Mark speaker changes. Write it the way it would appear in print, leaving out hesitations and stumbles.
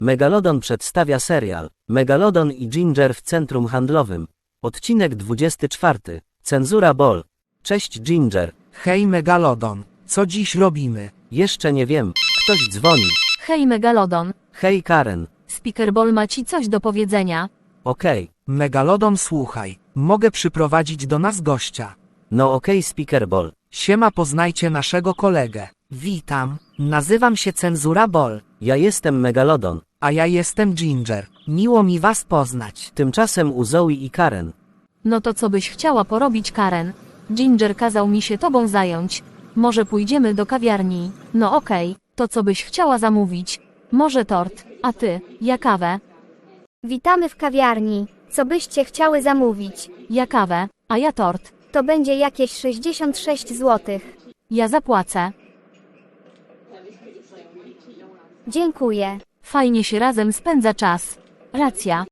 Speaker 1: Megalodon przedstawia serial Megalodon i Ginger w centrum handlowym. Odcinek 24. Cenzura Ball. Cześć Ginger.
Speaker 2: Hej Megalodon, co dziś robimy?
Speaker 1: Jeszcze nie wiem. Ktoś dzwoni.
Speaker 3: Hej Megalodon,
Speaker 1: Hej Karen.
Speaker 3: Speaker Ball ma ci coś do powiedzenia.
Speaker 1: Okej.
Speaker 2: Megalodon, słuchaj, mogę przyprowadzić do nas gościa.
Speaker 1: No okej, Speaker Ball.
Speaker 2: Siema, poznajcie naszego kolegę. Witam, nazywam się Cenzura Ball,
Speaker 1: Ja jestem Megalodon.
Speaker 2: a ja jestem Ginger. Miło mi was poznać.
Speaker 1: Tymczasem u Zoe i Karen.
Speaker 3: No to co byś chciała porobić, Karen? Ginger kazał mi się tobą zająć. Może pójdziemy do kawiarni? No okej, to co byś chciała zamówić? Może tort, a ty, ja kawę?
Speaker 4: Witamy w kawiarni. Co byście chciały zamówić?
Speaker 3: Ja kawę, a ja tort.
Speaker 4: To będzie jakieś 66 zł.
Speaker 3: Ja zapłacę.
Speaker 4: Dziękuję.
Speaker 3: Fajnie się razem spędza czas. Racja,